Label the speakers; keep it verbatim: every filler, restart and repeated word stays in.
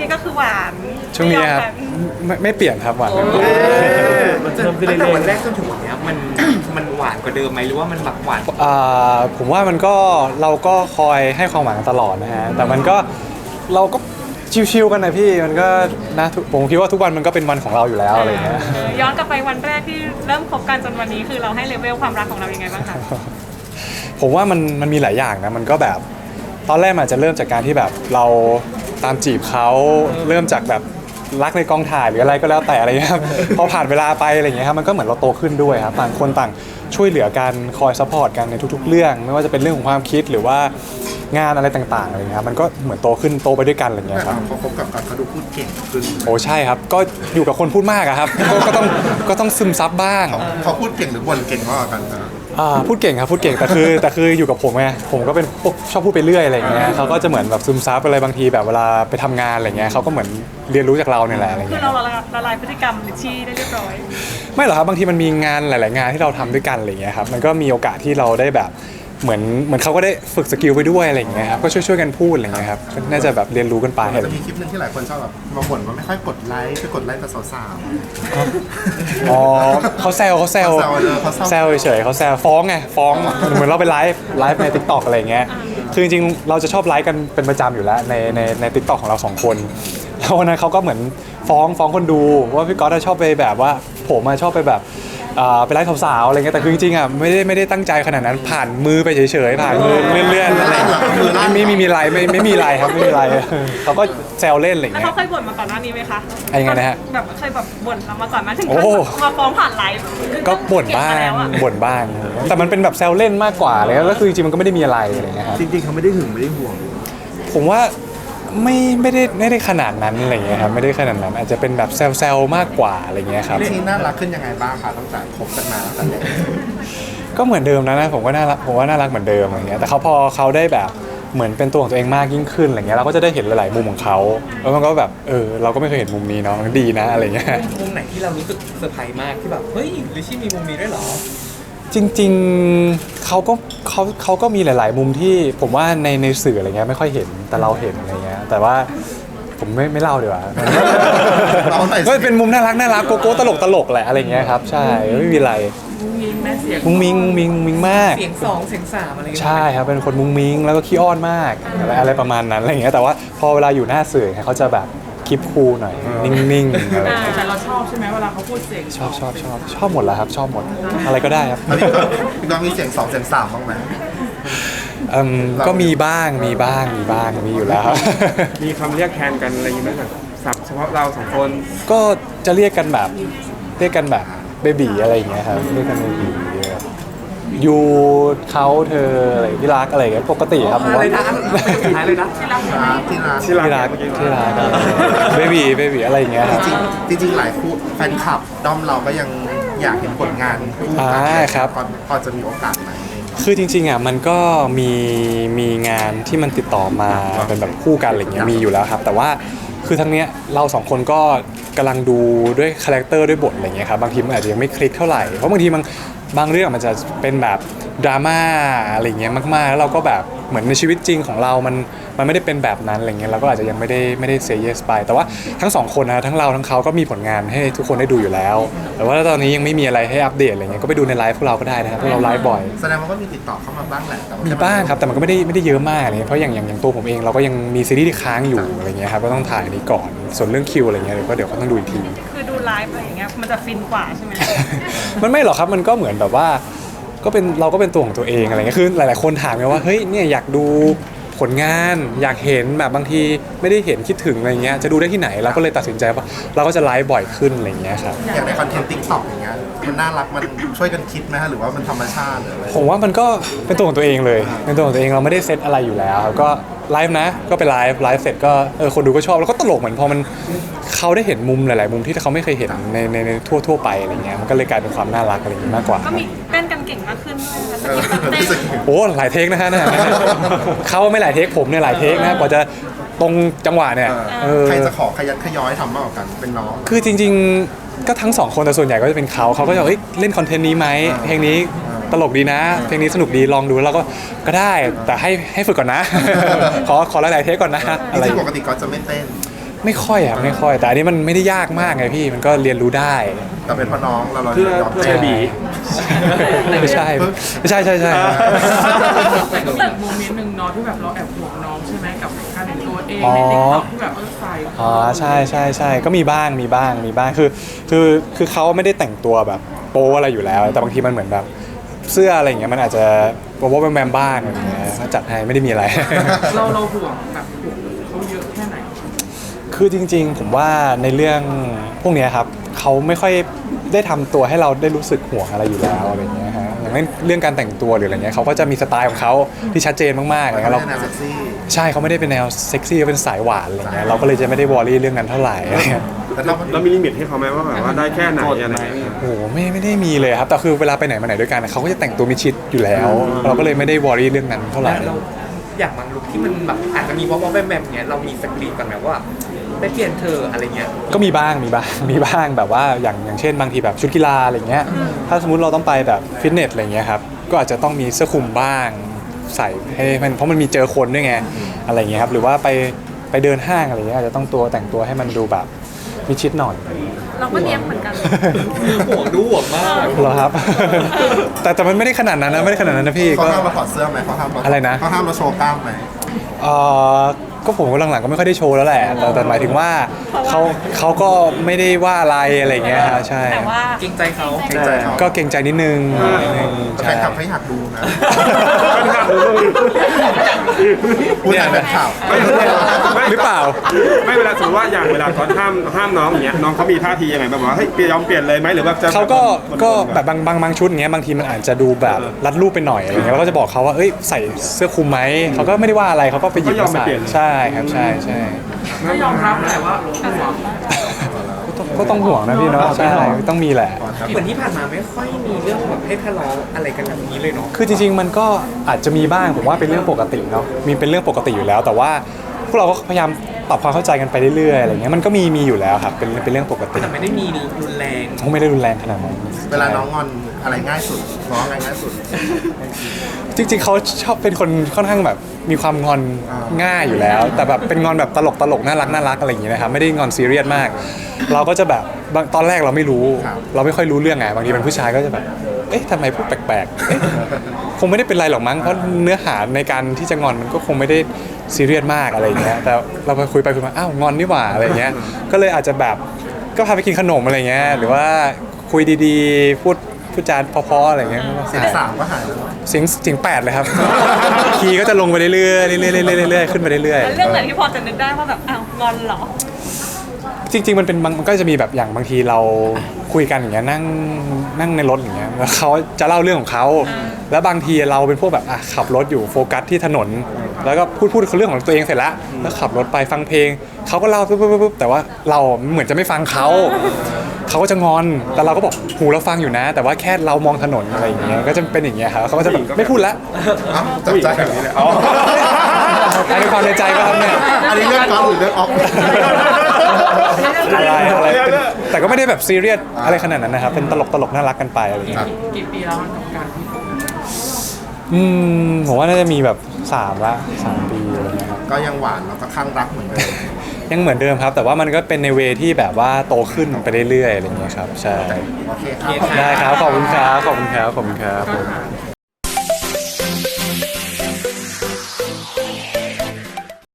Speaker 1: ก็คือหวาน
Speaker 2: ช่วงนี้ครับไม่ไม่เปลี่ยนครับหวานไม่เปลี่ยน
Speaker 3: มันเริ่มขึ้นเรื่อยๆวันแรกจนถึงวันนี้มันมันหวานกว่าเดิมไหมหรือว่ามันแบบหวาน
Speaker 2: อ่าผมว่ามันก็เราก็คอยให้ความหวังกันตลอดนะฮะแต่มันก็เราก็ชิวๆกันนะพี่มันก็นะผมคิดว่าทุกวันมันก็เป็นวันของเราอยู่แล้วอะไรเงี้ย
Speaker 1: ย้อนกลับไปวันแรกที่เริ่มคบกันจนวันนี้คือเราให้เลเวลความรักของเรายังไงบ้างคะ
Speaker 2: ผมว่ามันมันมีหลายอย่างนะมันก็แบบตอนแรกมันจะเริ่มจากการที่แบบเราตามจีบเขาเริ่มจากแบบรักในกองถ่ายหรืออะไรก็แล้วแต่อะไรเงี้ยครับพอผ่านเวลาไปอะไรเงี้ยครับมันก็เหมือนเราโตขึ้นด้วยครับต่างคนต่างช่วยเหลือกันคอยซัพพอร์ตกันในทุกๆเรื่องไม่ว่าจะเป็นเรื่องของความคิดหรือว่างานอะไรต่างๆอะไรเงี้ยครับมันก็เหมือนโตขึ้นโตไปด้วยกันอะไรเงี้ยครับ
Speaker 4: เขาคบกับกันเขาดูพูดเก่งขึ้น
Speaker 2: โอ้ใช่ครับก็อยู่กับคนพูดมากอะครับก็ต้องก็ต้องซึมซับบ้าง
Speaker 4: เขาพูดเก่งหรือบ่นเก่งมากกันนะ
Speaker 2: อ่าพูดเก่งครับพูดเก่งแต่คือแต่คืออยู่กับผมไงผมก็เป็นพวกชอบพูดไปเรื่อยอะไรอย่างเงี้ยเขาก็จะเหมือนแบบซึมซับอะไรบางทีแบบเวลาไปทำงานอะไรเงี้ยเขาก็เหมือนเรียนรู้จากเราเนี่ยแหละอะไร
Speaker 1: คือ
Speaker 2: เงี้ย
Speaker 1: เราละลายพฤติกรรมลิชชี่ได้เรียบร้อย
Speaker 2: ไม่หรอกครับบางทีมันมีงานหลายๆงานที่เราทำด้วยกันอะไรเงี้ยครับมันก็มีโอกาสที่เราได้แบบเหมือนเหมือนเขาก็ได้ฝึกสกิลไปด้วยอะไรอย่างเงี้ยครับก็ช่วยๆกันพูดอะไรเงี้ยครับน่าจะแบบเรียนรู้กันไป
Speaker 4: จะมีคลิปนึงที่หลายคนชอบแบบมาบ่นว่าไม่ค่อยกดไลค์ไปกดไลค์แต่สาว
Speaker 2: อ๋อเขาแซวเขาแซวแซวเฉยๆเขาแซวฟ้องไงฟ้องเหมือนเราไปไลฟ์ไลฟ์ใน ติ๊กต็อก อะไรเงี้ยคือจริงๆเราจะชอบไลฟ์กันเป็นประจำอยู่แล้วในในใน ติ๊กต็อก ของเราสองคนแล้ววันนั้นเขาก็เหมือนฟ้องฟ้องคนดูว่าพี่ก๊อตชอบไปแบบว่าผมชอบไปแบบไปไล่สาวๆอะไรเงี้ยแต่คือจริงๆอ่ะไม่ได้ไม่ได้ตั้งใจขนาดนั้นผ่านมือไปเฉยๆผ่านมือเลื่อนๆอะไรไม่ไม่มีอะไรไม่ไม่มีอะไรครับไม่มีอะไรเขาก็แซวเล่นอะไรเงี้ย
Speaker 1: เขาเคยบ่นมาก่อนหน้านี้ไหมคะ
Speaker 2: ยังไงนะฮะ
Speaker 1: แบบเคยแบบบ่นมาก่อนมาถึงมาฟ้องผ่านไลฟ์
Speaker 2: ก็บ่นบ้างบ่นบ้างแต่มันเป็นแบบแซวเล่นมากกว่าเลยแล้วคือจริงๆมันก็ไม่ได้มีอะไรอะไรเงี้ยครับ
Speaker 3: จริงๆเขาไม่ได้หึงไม่ได้ห่วง
Speaker 2: ผมว่าไม่ไม่ได้ไม่ได้ขนาดนั้นอะไรเงี้ยครับไม่ได้ขนาดนั้นอาจจะเป็นแบบแซวๆมากกว่าอะไรเงี้ยครับ
Speaker 4: ที่น่ารักขึ้นยังไงบ้างคะตั้งแต่คบกันมาตั้งแต่
Speaker 2: ก็เหมือนเดิมนะนะผมก็น่ารักผมว่าน่ารักเหมือนเดิมอะไรเงี้ยแต่เขาพอเขาได้แบบเหมือนเป็นตัวของตัวเองมากยิ่งขึ้นอะไรเงี้ยเราก็จะได้เห็นหลายๆมุมของเขาแล้วมันก็แบบเออเราก็ไม่เคยเห็นมุมนี้เนาะมันดีนะอะไรเงี้ย
Speaker 3: มุมไหนที่เรารู้สึกเซอร์ไพรส์มากที่แบบเฮ้ยลิชชี่มีมุมนี้ด้วยเหรอ
Speaker 2: จริงๆเขาก็เขาเขาก็มีหลาย ๆ มุมที่ผมว่าในในสื่ออะไรเงี้ยไม่ค่อยเห็นแต่เราเห็นอะไรเงี้ยแต่ว่าผมไม่ไม่เล่าดีกว่าก็เป็นมุมน่ารักน่ารักโกโก้ตลกตลกแหละอะไรเงี้ยครับใช่ไม่มีอะไร
Speaker 3: มุ้งมิ้งแม่เสียง
Speaker 2: มุ้งมิ้งมุ้งมิ้งมุ้งมิ้งมาก
Speaker 3: เสียงสองเสียงสามอะไรใ
Speaker 2: ช่ครับเป็นคนมุ้งมิ้งแล้วก็ขี้อ้อนมากอะไรอะไรประมาณนั้นอะไรเงี้ยแต่ว่าพอเวลาอยู่หน้าสื่อเขาจะแบบคลิปคูลหน่อยนิ่งๆอะไร
Speaker 1: แต่เราชอบใช่ไหมเวลาเขาพูดเสียง
Speaker 2: ชอบชอบชอบชอบหมดแล้วครับชอบหมดอะไรก็ได้ครับ
Speaker 4: พี่น้องมีเสียงสองเสียงสามบ้างไหม
Speaker 2: ก็มีบ้างมีบ้างมีบ้างมีอยู่แล้ว
Speaker 3: มีคำเรียกแทนกันอะไรอย่างเงี้ยแบบศัพท์เฉพาะเราสองคน
Speaker 2: ก็จะเรียกกันแบบเรียกกันแบบเบบีอะไรอย่างเงี้ยครับเรียกกันเบบียูเขาเธออะไรที่รักอะไรเงี้ยปกติครับ
Speaker 3: อะไรนะสุดท้ายเลยนะ
Speaker 4: ที่รักที่รัก
Speaker 2: ที่รักที่รักเบบีเบบีอะไรอย่างเงี้ย
Speaker 4: จริงจริงหลายคู่แฟนคลับด้อมเราก็ยังอยากเห็นผลงานคู่
Speaker 2: กันครับ
Speaker 4: พอจะมีโอกาสไหม
Speaker 2: คือจริงๆอ่ะมันก็มีมีงานที่มันติดต่อมาเป็นแบบคู่กันอะไรเงี้ยมีอยู่แล้วครับแต่ว่าคือทั้งเนี้ยเราสองคนก็กำลังดูด้วยคาแรคเตอร์ด้วยบทอะไรเงี้ยครับบางทีมันอาจจะยังไม่คลิกเท่าไหร่เพราะบางทีมันบางเรื่องมันจะเป็นแบบดราม่าอะไรเงี้ยมากๆแล้วเราก็แบบเหมือนในชีวิตจริงของเรามันมันไม่ได้เป็นแบบนั้นอะไรเงี้ยเราก็อาจจะยังไม่ได้ไม่ได้เซย์เยสไปแต่ว่าทั้งสองคนนะทั้งเราทั้งเขาก็มีผลงานให้ทุกคนได้ดูอยู่แล้วแต่ว่าตอนนี้ยังไม่มีอะไรให้อัปเดตอะไรเงี้ยก็ไปดูในไลฟ์พวกเราก็ได้นะครับพวกเราไลฟ์บ่อย
Speaker 4: แสดงว่าก็มีติดต่อเข้ามาบ้างแหละ
Speaker 2: มีบ้างครับแต่มันก็ไม่ได้ไม่ได้เยอะมากเลยเพราะอย่างอย่างอย่างตัวผมเองเราก็ยังมีซีรีส์ที่ค้างอยู่อะไรเงี้ยครับก็ต้องถ่ายนี้ก่อนส่วนเรื่องคิวอะไรเงี้ยเดี๋ยวก็เดี๋ยวก็ต้องดูอีกที
Speaker 1: คือดูไลฟ์อะไรอย่างเงี้ยมันจะฟินกว่าใช่ไหม
Speaker 2: มันไม่หรอกครับมันก็เหมือนแบบว่าก็เป็นเราก็เป็นตัวของตัวเองอะไรเงี้ยคือหลายๆคนถามไงว่าเฮ้ยเนี่ยอยากดูผลงานอยากเห็นแบบบางทีไม่ได้เห็นคิดถึงอะไรเงี้ยจะดูได้ที่ไหนเราก็เลยตัดสินใจว่าเราก็จะไลฟ์บ่อยขึ้นอะไรเงี้ยครับ
Speaker 4: อย่างในคอนเทนต์ ติ๊กต็อก อย่างเงี้ยมันน่ารักมันช่วยกันคิดไหมฮะหรือว่ามันธรรมชาติหรืออะไร
Speaker 2: ผมว่ามันก็เป็นตัวของตัวเองเลยเป็นตัวของตัวเองเราไม่ได้เซตอะไรอยู่แล้วก็ไลฟ์นะก็ไปไลฟ์ไลฟ์เสร็จก็เออคนดูก็ชอบแล้วก็ตลกเหมือนพอมันเขาได้เห็นมุมหลายๆมุมที่เขาไม่เคยเห็นในในในทั่วทั่วไปอะไรเงี้ยมันก็เลยกลายเป็นความน่ารักอะไรอย่างนี้มากกว่า
Speaker 1: ก็มีเต้นกันเก่งมากขึ้นด้วยนะคะ
Speaker 2: โอ้หลายเทคนะฮะเขาไม่หลายเทคผมเนี่ยหลายเทคนะกว่าจะตรงจังหวะเนี่ย
Speaker 4: ใครจะขอขยันขย้อยทำมากกว่ากันเป็นน้อง
Speaker 2: คือจริงๆก็ทั้งสองคนแต่ส่วนใหญ่ก็จะเป็นเขาเขาก็จะเอ้ยเล่นคอนเทนต์นี้ไหมเพลงนี้ตลกดีนะเพลงนี้สนุกดีลองดูแล้วก็ก็ได้แต่ให้ให้ฝึกก่อนนะขอขอหลายๆเทคก่อนนะ
Speaker 4: อะไรปกติก็จะไม่เต้น
Speaker 2: ไม่ค่อยครับไม่ค่อย แต่อันนี้มันไม่ได้ยากมากไงพี่มันก็เรียนรู้ได้
Speaker 4: แต่เป็นเพ่อน้องเราเรา
Speaker 5: เพื่อย
Speaker 4: อม
Speaker 5: เพื่อ
Speaker 4: ใจ
Speaker 5: เบบี
Speaker 2: ไม่ใช่ไม่ใช่ใช่ใช่
Speaker 6: แต่ก็มีอีกโมเมนต์หนึ่งเนาะที่แบบเราแอบห่วงน้องใช่ไหมกับการแต่งตัวเองในติ๊กต็อกที่แบบเออใส่
Speaker 2: อ๋อใช่ใช่ใช่ก็มีบ้างมีบ้างมีบ้างคือคือคือเขาไม่ได้แต่งตัวแบบโป๊อะไรอยู่แล้ว แต่บางทีมันเหมือนแบบเสื้ออะไรอย่างเงี้ยมันอาจจะโป๊ะแบมๆบ้างอะไรอย่างเงี้ยก็จัดให้ไม่ได้มีอะไร
Speaker 6: เราเราห่วงแบบห่วงเขาเยอะแค่ไหน
Speaker 2: คือจริงๆ ผมว่าในเรื่องพวกเนี้ยครับเขาไม่ค่อยได้ทำตัวให้เราได้รู้สึกห่วงอะไรอยู่แล้วอะไรเงี้ยฮะอย่างเรื่องการแต่งตัวหรืออะไรเงี้ยเขาก็จะมีสไตล์ของเขาที่ชัดเจนมากๆอะไร
Speaker 4: ไม่
Speaker 2: เงี้ยเรา
Speaker 4: ได้แนวเซ็กซี่
Speaker 2: ใช่เขาไม่ได้เป็นแนวเซ็กซี่เขาเป็นสายหวานอะไรเงี้ยเราก็เลยจะไม่ได้วอรี่เรื่องนั้นเท่าไหร่อะไรเงี้ย
Speaker 4: แต่ถ้ามัน
Speaker 5: เรามีลิมิตให้เขาไหมว่าแบบว่าได้แค่ไหนอะไรอย่างเงี้ย
Speaker 2: โอ้โหไม่ไม่ได้มีเลยครับแต่คือเวลาไปไหนมาไหนด้วยกันเขาก็จะแต่งตัวมิดชิดอยู่แล้ว เราก็เลยไม่ได้วอรี่เรื่องนั้นเท่าไหร่
Speaker 3: เราอย่างบางลุคที่มันแบบอาจจะมีวอลๆแบบๆเนี้ยเรามีสกรีนกันไหมว่าไปเปลี่ยนเธออะไรเงี้ย
Speaker 2: ก็มีบ้างมีบ้าง มีบ้างแบบว่าอย่างอย่างเช่นบางทีแบบชุดกีฬาอะไรเงี้ยถ้าสมมุติเราต้องไปแบบฟิตเนสอะไรเงี้ยครับก็อาจจะต้องมีเสื้อคลุมบ้างใส่ให้มันเพราะมันมีเจอคนด้วยไงอะไรเงี้ยครับหรือว่าไปไปเดินห้างอะไรเงี้ยอาจจะต้องตัวแต่งตัวให้มันดูแบบมิดชิดหน่อย
Speaker 1: เราก็เลี้ยงเหมือนกัน
Speaker 3: ห่วงดูห่วงมาก
Speaker 2: เหรอครับ แต่แต่มันไม่ได้ขนาดนั้นนะไม่ได้ขนาดนั้นนะพี่
Speaker 4: เขา
Speaker 2: ก็
Speaker 4: ห้ามเราถอดเสื้อไหมเขาห้ามเรา
Speaker 2: อะไรนะ
Speaker 4: เขาห้ามเราโชว์กล้ามไหม
Speaker 2: เอ่อก็ผมก็หลังๆก็ไม่ค่อยได้โชว์แล้วแหละแต่แต่หมายถึงว่าเขาเขาก็ไม่ได้ว่าอะไรอะไรเงี้ยฮะใช่
Speaker 1: แต่ว่า
Speaker 3: เกรงใจเขา
Speaker 4: เกรงใจเขา
Speaker 2: ก็เกรงใจนิดนึงนิดนึง
Speaker 4: แต่แฟ
Speaker 2: ใช่
Speaker 4: นคลับเขาอยากดูนะ
Speaker 5: เป็นข่าวหรือว่า
Speaker 4: พูดแต่เป็นข่าว
Speaker 5: ไม่ไม่
Speaker 2: หรือเปล่า
Speaker 5: ไม่เวลาสมมติว่าอย่างเวลาเขาห้ามห้ามน้องอย่างเงี้ยน้องเขามีท่าทียังไงแบบว่าเฮ้ยยอมเปลี่ยนเลยไหมหรือว่าจะ
Speaker 2: เขาก็
Speaker 5: บ่นๆ
Speaker 2: ก็แบบบางบางบางชุดเงี้ยบางทีมันอาจจะดูแบบรัดรูปไปหน่อยอะไรเงี้ยเราก็จะบอกเขาว่าเอ้ยใส่เสื้อคลุมไหมเขาก็ไม่ได้ว่าอะไรเขาก็ไปหยิบมาใส่ใช่ครับใช่ใช่
Speaker 6: ก็ยอมรับแหละว่าห่วง
Speaker 2: ก็ต้องห่วงนะพี่เนาะใช่ต้องมีแหละ
Speaker 3: เหมือนที่ผ่านมาไม่ค่อยมีเรื่องแบบให้ทะเลาะอะไรกันแบบนี้เลยเนาะ
Speaker 2: คือจริงๆมันก็อาจจะมีบ้างผมว่าเป็นเรื่องปกติเนาะมีเป็นเรื่องปกติอยู่แล้ว แต่ว่าพวกเราก็พยายามปรับความเข้าใจกันไปเรื่อยๆอะไรเงี้ยมันก็มีมีอยู่แล้วครับเป็นเป็นเรื่องปกติ
Speaker 3: แต่ไม่ได้มีรุนแรง
Speaker 2: คงไม่ได้รุนแรงขนาดนั้น
Speaker 4: เวลาน้องงอนอะไรง่ายสุดน้องอะไรง่ายสุด
Speaker 2: จริงๆเขาชอบเป็นคนค่อนข้างแบบมีความงอน
Speaker 4: อ่า
Speaker 2: ง่ายอยู่แล้ว แต่แบบเป็นงอนแบบตลกตลกน่ารักน่ารักอะไรอย่างเงี้ยนะครับไม่ได้งอนซีเรียสมาก เราก็จะแบบบางตอนแรกเราไม่รู้ เราไม่ค่อยรู้เรื่องไงบางทีเป็นผู้ชายก็จะแบบเอ๊ะทำไมพูดแปลกๆเอ๊ะคงไม่ได้เป็นไรหรอกมั้งเพราะเนื้อหาในการที่จะงอนมันก็คงไม่ได้ซีเรียสมากอะไรอย่างเงี้ยแต่เราไปคุยไปคุยมาอ้าวงอนนี่หว่าอะไรอย่างเงี้ยก็เลยอาจจะแบบก็พาไปกินขนมอะไรเงี้ยหรือว่าคุยดีๆพูดพูดจาเพราะๆอะไรเงี้ย
Speaker 4: เสียงสามก็หายแล้ว
Speaker 2: เสียงเสียงแปดเลยครับ คีย์ก็จะลงไปเรื่อยๆเรื่อยๆเรื่อยๆเรื่อยๆขึ้นไปเรื่อย
Speaker 1: แล้วเรื่องไหนที่พอจะนึกได้ว่าแบบอ้าวงอนเหรอ
Speaker 2: ๆจริง ๆ มันเป็นบางมันก็จะมีแบบอย่างบางทีเราคุยกันอย่างเงี้ยนั่งนั่งในรถอย่างเงี้ยแล้วเขาจะเล่าเรื่องของเขาแล้วบางทีเราเป็นพวกแบบอ่ะขับรถอยู่โฟกัสที่ถนน แล้วก็พูดพูดเรื่องของตัวเองเสร็จแล้วแล้วขับรถไปฟังเพลงเขาก็เล่าปุ๊บปุ๊บปุ๊บแต่ว่าเราเหมือนจะไม่ฟังเขาเขาก็จะงอนแต่เราก็บอกหูเราฟังอยู่นะ แต่ว่าแค่เรามองถนนอะไรอย่างเงี้ยก็จะเป็นอย่างเงี้ยครับเขาก็จะแบบไม่พูดละ
Speaker 4: เอ้าจับ
Speaker 5: ผู้หญิง
Speaker 4: ใจ
Speaker 5: แบบนี้เลยอ๋อ
Speaker 2: อันนี้ความในใจก็ครับเนี่ย
Speaker 4: อันนี้เรื่องกอล์ฟหรือเรื่องออฟ
Speaker 2: อะไรอะไรเป็นแต่ก็ไม่ได้แบบซีเรียสอะไรขนาดนั้นนะครับ เป็นตลกตลกน่ารักกันไปอะไรอย่างเงี้ย
Speaker 6: กี่ปีแล้วกับการที่คบกัน
Speaker 2: อืมผมว่าน่าจะมีแบบสามละสามปีอะไรเงี้ยครับ
Speaker 4: ก็ยังหวานแล้วก็ข้างรักเหมือนเดิม
Speaker 2: ยังเหมือนเดิมครับ แต่ว่ามันก็เป็นในเวที่แบบว่าโตขึ้นไปเรื่อยๆอะไรเงี้ยครับใช่
Speaker 4: โอเคครับ
Speaker 2: ได้ครับขอบคุณครับขอบคุณครับขอบคุณครับผม